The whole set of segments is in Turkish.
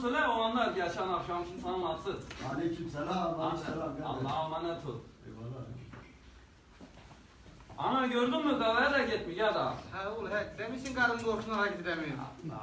söyle o anlar geçen akşam şimdi sana nasıl? Aleykümselam. Aleykümselam. Allah'a emanet ol. Eyvallah. Ana gördün mü kahveye de gitmiş ya da. Ha oğlum he, demişsin karın korkusuna hareket edemiyor.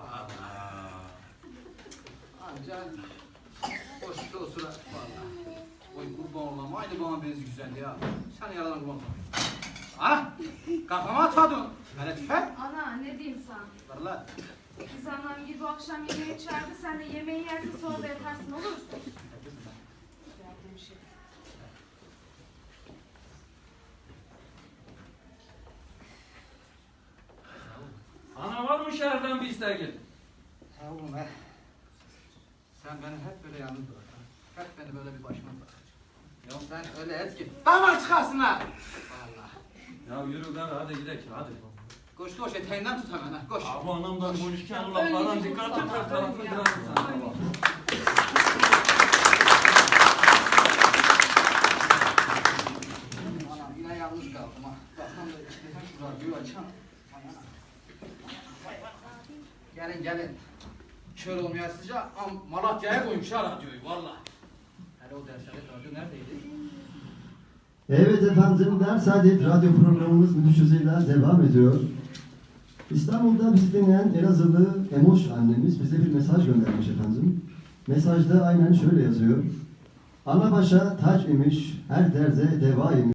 Ancak boşlukta o sıra valla. Oy kurban olam, aynı bana benzi güzel ya. Sen yaradan kurban olam. Ah! Kafama atmadın. Hele tüfe. Ana ne diyeyim sana? Ver lan. Biz annem gibi bu akşam yemeğe çağırdı. Sen de yemeği yersin sonra da yatarsın olur mu? Verdiğim şey. Ana var mı şehirden bir isteğin? Ha oğlum he. Sen beni hep böyle yalnız bırak. Hep beni böyle bir başıma bırakacaksın. Ya sen öyle et ki. Davar çıkarsın ha. Valla. Ya yürü gari hadi gidelim hadi. Koş koş eteğinden tut hemen ha. Koş. Abi anamdan konuşurken laflardan dikkat et her tarafı kırarsın sen. Anam yine yalnız kaldım ha. Bakalım da işte şu radyoyu açalım. Gelin gelin. Kör olmayasıca Malatya'ya koymuş ha radyoyu valla. Hele o Dersalet radyo neredeydi? Evet efendim, Dersalet radyo programımız müthiş hızıyla devam ediyor. İstanbul'da bizi dinleyen Elazığlı Emoş annemiz bize bir mesaj göndermiş efendim. Mesajda aynen şöyle yazıyor. Ana başa taç imiş, her derde deva imiş.